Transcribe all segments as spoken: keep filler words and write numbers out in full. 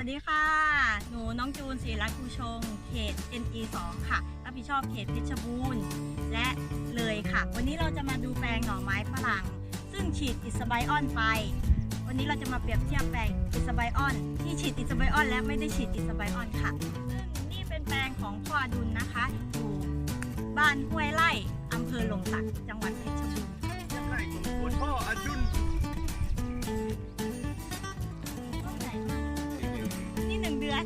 ดีค่ะหนูน้องจูนศรีรัตน์ภูชงเขต เอ็น อี สอง ค่ะรับผิดชอบเขตเพชรบูรณ์และเลยค่ะวันนี้เราจะมาดูแปลงหน่อไม้ฝรั่งซึ่งฉีดอิสไบออนไปวันนี้เราจะมาเปรียบเทียบแปลงอิสไบออนที่ฉีดอิสไบออนและไม่ได้ฉีดอิสไบออนค่ะซึ่งนี่เป็นแปลงของพ่ออดุลนะคะอยู่บ้านห้วยไร่อำเภอหลมสักจังหวัดเพชรบูรณ์ไร่ของคุณพ่ออดุลนี่หนึ่งเดือน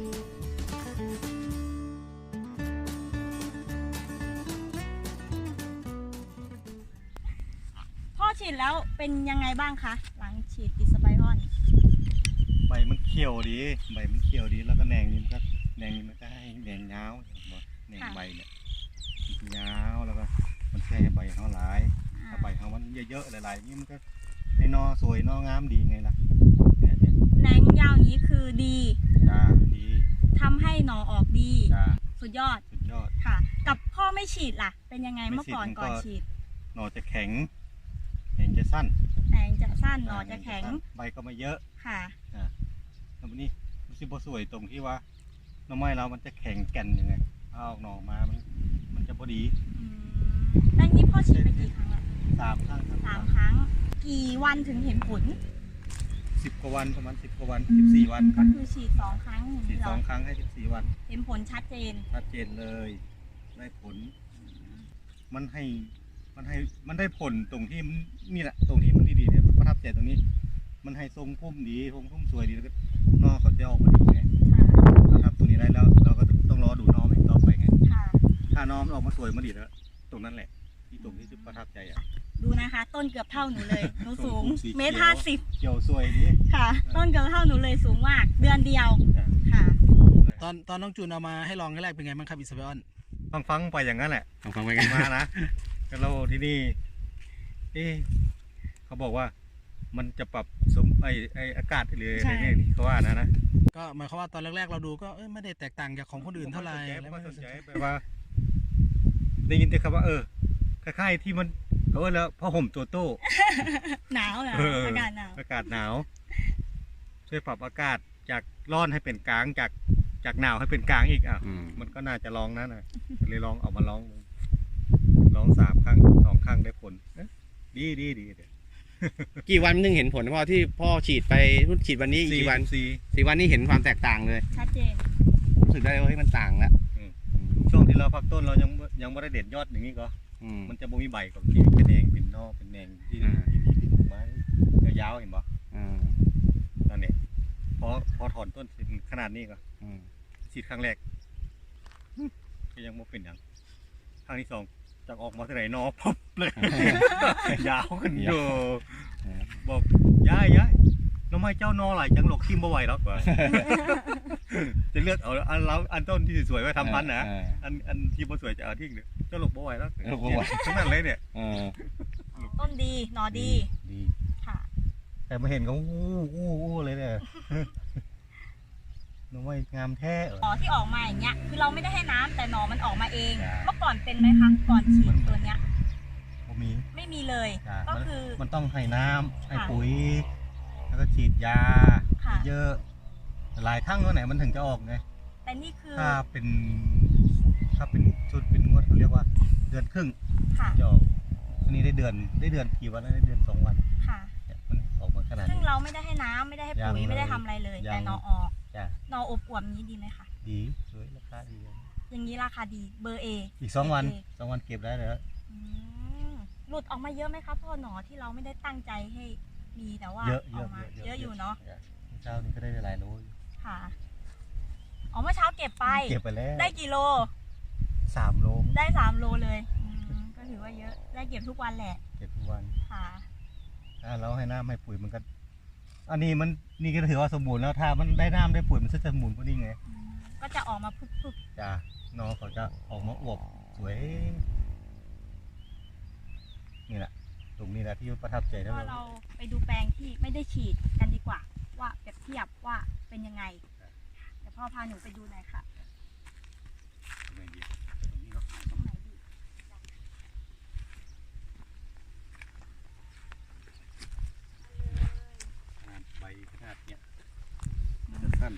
พ่อฉีดแล้วเป็นยังไงบ้างคะหลังฉีดอิสไบออนใบมันเขียวดีใบมันเขียวดีแล้วก็แหนงนี่มันก็แหนงนี่มันก็ให้แหนงยาวเห็นบ่แหนงใบเนี่ยยาวแล้วก็มันแค่ใบเขาหลายถ้าใบเขามันเยอะๆหลายๆนี่มันก็ให้นอสวยนองามดีไงล่ะเนี่ยเนี่ยแหนงยาวอย่างนี้คือดีจ้าดีทำให้หน่อออกดีจ้าสุดยอดสุดยอดค่ะ กับพ่อไม่ฉีดล่ะ เป็นยังไงไม่เมื่อก่อนฉีดมันก็ก่อนฉีดหน่อจะแข็งแหนงจะสั้นแหนงจะสั้นหน่อจะแข็งใบก็ไม่เยอะค่ะแล้ววันนี้มันสิบ่สวยตรงที่ว่าหน่อไม้เรามันจะแข็งแก่นยังไงเอาออกหน่อมามันมันจะพอดีอืมแล้วนี้พ่อฉีดไปกี่ครั้งละสามครั้งครับสามครั้ง กี่วันถึงเห็นผลสิบกว่าวันประมาณสิบกว่าวันสิบสี่วันก็คือฉีดสองครั้งอย่างฉีดนี้เหสรองอครั้งให้สิบสี่วันเห็นผลชัดเจนชัดเจนเลยได้ผล มันให้มันให้มันได้ผลตรงที่มันนี่แหละตรงที่มันดีๆเนี่ยประทับใจตรงนี้ มันให้ทรงพุ่มดีทรงพุ่มสวยดีแล้วก็นอกเขาจะออกมาดีไงค่ะเราทำตัวนี้ได้แล้วเราก็ต้องรอดูน้องอีกต่อไปไงค่ะถ้าน้องมันออกมาสวยมาดีแล้วตรงนั้นแหละที่ตรงที่จะประทับใจอ่ะดูนะคะ ต้นเกือบเท่าหนูเลย หนูสูงต้นสีเขียวเมตรห้าสิบเกี่ยวสวยดีค่ะ ต้นเกือบเท่าหนูเลยสูงมาก เดือนเดียว ค่ะตอนตอนน้องจูนเอามาให้ลองแรกๆเป็นไงบ้างครับอิสเบออนฟังฟังๆไปอย่างนั้นแหละลองฟังไปกันมานะแล้วเราที่นี่เอ๊ะเขาบอกว่ามันจะปรับสมไอไออากาศหรือใช่อะไรเนี่ยเขาว่านะนะก็หมายความว่าตอนแรกๆเราดูก็เอ้ยไม่ได้แตกต่างจากของคนอื่นเท่าไหร่ผมแล้วก็ไม่สนใจได้แบบว่า ได้ยินแต่คำว่าเออคล้ายๆที่มันเขาว่าแล้วผ้าห่มตัวโต้หนาวเหรอเอออากาศหนาวอากาศหนาว ช่วยปรับอากาศจากร้อนให้เป็นกลางจากจากหนาวให้เป็นกลางอีกอ่ะอืมมันก็น่าจะลองนะนะเลยลองเอามาลองดูลองสามครั้งสองครั้งได้ผลเอ๊ะดีดีดีเดี๋ยวกี่วันนึงเห็นผลพ่อที่พ่อฉีดไปรุ่นฉีดวันนี้อีกกี่วันสี่สี่วันนี้เห็นความแตกต่างเลยชัดเจนรู้สึกได้ว่าเฮ้ยมันต่างแล้วช่วงที่เราพักต้นเรายังยังไม่ได้เด็ดยอดอย่างนี้ก็อืมมันจะบ่มีใบกับที่เป็นแดงเป็นนอกเป็นแดงที่อ่าที่ที่เป็นไม้ยาวๆเห็นบ่อ่านั่นเนี่ยพอพอถอนต้นเป็นขนาดนี้ก็อืมฉีดครั้งแรกก็ยังไม่เป็นอย่างครั้งที่สองจากออกมาที่ไหนนอพับเลย ยาวขึ้นอยู่บอกย้ายย้ายน้องไม้เจ้านอหลายจังหลกทิมบ่ไหวแล้วกว่า จะเลือกเอาอันเราอันต้นที่สวยไว้ทำพันธุ์นะเอออันอันที่บ่สวยจะเอาทิ้งเดี๋ยวเจ้าหลกบ่ไหวแล้วเออบ่ไหวทั้งนั้นเลยเนี่ยเออต้นดีหนอดีดีค่ะแต่มาเห็นเขาอู้อู้อู้เลยเนี่ย น้องไม้งามแท้เออหนอที่ออกมาอย่างเงี้ย คือเราไม่ได้ให้น้ำแต่หนอมันออกมาเองใช่เมื่อก่อนเป็นไหมคะ ก่อนฉีดตัวเนี้ยบ่มีไม่มีเลยจ้ะก็มันคือมันต้องให้น้ำให้ค่ะปุ๋ย แล้วก็ฉีดยาค่ะเยอะหลายครั้งแล้วไหนมันถึงจะออกไงแต่นี่คือถ้าเป็นถ้าเป็นชุดเป็นงวดเขาเรียกว่าเดือนครึ่งค่ะจะออกอันนี้ได้เดือนได้เดือนกี่วันแล้วได้เดือนสองวันค่ะเนี่ยมันออกมาขนาดซึ่งนี้เราไม่ได้ให้น้ำไม่ได้ให้ปุ๋ยยังไม่ได้เลยทำอะไรเลยยังแต่หนอออกจ้ะหนออบอวบนี้ดีไหมคะดีสวยราคาดีอย่างนี้ราคาดี เบอร์เออีกสองวันโอเคสองวันเก็บได้เลยอืมหลุดออกมาเยอะไหมคะพ่อหนอที่เราไม่ได้ตั้งใจให้มีแต่ว่าเยอะอเยออะกมาเยอะเยอะอยู่เนาะเช้านี้ก็ได้หลายโลอยู่ค่ะอ๋อเมื่อเช้าเก็บไปเก็บไปแล้วได้กี่โลสามโลได้สามโลเลยอืมก็ถือว่าเยอะได้เก็บทุกวันแหละเก็บทุกวันค่ะถ้าเราให้น้ำให้ปุ๋ยมันก็ อันนี้มันนี่ก็ถือว่าสมบูรณ์แล้วถ้ามันได้น้ำได้ปุ๋ยมันจะสมบูรณ์กว่านี้ไงอืมก็จะออกมาพึบจ้ะนอเขาจะออกมาอวบสวยนี่แหละตรงนี้แหละที่ประทับใจๆแล้วก็เราไปดูแปลงที่ไม่ได้ฉีดกันดีกว่า ว่าเปรียบเทียบว่าเป็นยังไงเดี๋ยวพ่อพาหนูไปดูหน่อยค่ะ ตรงไหนดีใบขนาดเนี้ยจะสั้นได้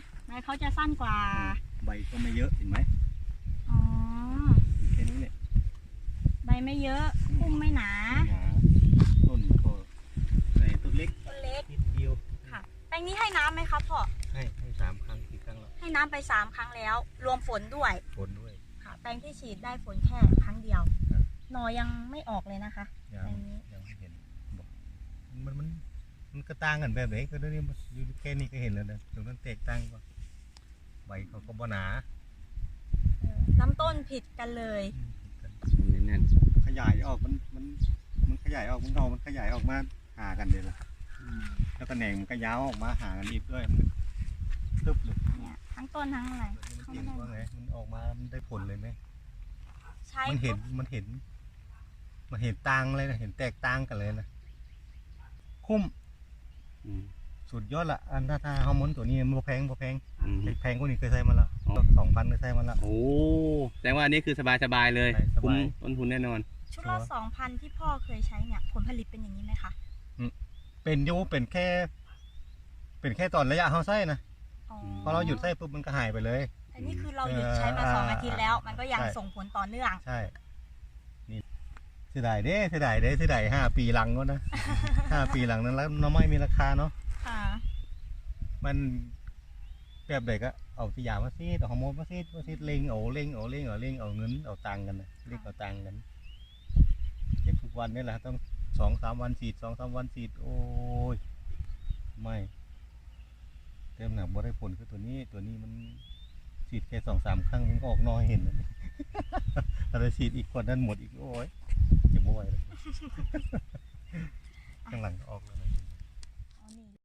เขาจะสั้นกว่าใบก็ไม่เยอะเห็นไหมอ๋อแค่นี้เนี่ยใบไม่เยอะพุ่มไม่หนาหนาต้นก็ในต้นเล็กต้นเล็กนิดเดียวค่ะแปลงนี้ให้น้ำไหมครับพ่อให้ให้สามครั้งสี่ครั้งแล้วให้น้ำไปสามครั้งแล้ว รวมฝนด้วยผลด้วยค่ะ แปลงที่ฉีดได้ฝนแค่ครั้งเดียวครับหนอยังไม่ออกเลยนะคะยัแปลงงนี้ยังไม่เห็นบอกมันมันมันก็ต่างกันแบบไหนก็ได้นี่มันอยู่แค่นี้ก็เห็นแล้วนะตรงนั้นแตกต่างกว่าใบเขาก็บ่หนาเออลำต้นผิดกันเลยแน่นขยายออกมันมันมันขยายออกมันเอามันขยายออกมาหากันเลยล่ะแล้วก็แหน่งมันก็ยาวออกมาหากันอีกด้วยมันตึ๊บเลยเนี่ยทั้งต้นทั้งอะไรมันเห็นว่าไงมันออกมามันได้ผลเลยไหมใช้มันเห็นปุ๊บมันเห็น มันเห็นต่างเลยนะเห็นแตกต่างกันเลยนะคุ้มๆอืมสุดยอดละอันถ้าถ้าฮอร์โมนตัวนี้มันบ่แพงบ่แพงอืมแพงกว่านี้เคยใช้มาแล้วอ๋อสองพันเคยใช้มาแล้วโอ้แสดงว่าอันนี้คือสบายๆเลยใช่สบายคุ้มต้นทุนแน่นอนชุดละสองพันที่พ่อเคยใช้เนี่ย ผลผลิตเป็นอย่างนี้ไหมคะเป็นอยูเป็นแค่ เป็นแค่ตอนระยะเขาใช้นะอ๋อพอเราหยุดใช้ปุ๊บมันก็หายไปเลยแต่นี่คือเราหยุดใช้มาสองอาทิตย์แล้ว มันก็ยังใช่ส่งผลต่อเนื่องใช่ นี่เสียดายเด้เสียดายเด้เสียดายห้าปีหลังก็นะ ห้าปีหลังนั้นแล้วน้ำไม้มีราคาเนาะค่ะมันแบบไหนก็เอาสยามมาซีดเอาฮอร์โมนมาซีดมาซีดเล็งเอาเล็งเอาเล็งเอาเล็งเอาเงินเอาตังค์กันนะเล็งเอาตังค์กันเก็บทุกวันนี่แหละต้องสองสามวันสีดสองสามวันสีดโอ้ยไม่เต็มหนักบ่ได้ผลคือตัวนี้ตัวนี้มันสีดแค่สองสามครั้งมันก็ออกน้อยเห็นแล้วนี่ ถ้าเราสีดอีกคนนั้นหมดอีกโอ้ยเจ็บบ่ไหวเลย ข้างหลังก็ออกแล้วนะอ๋อนี่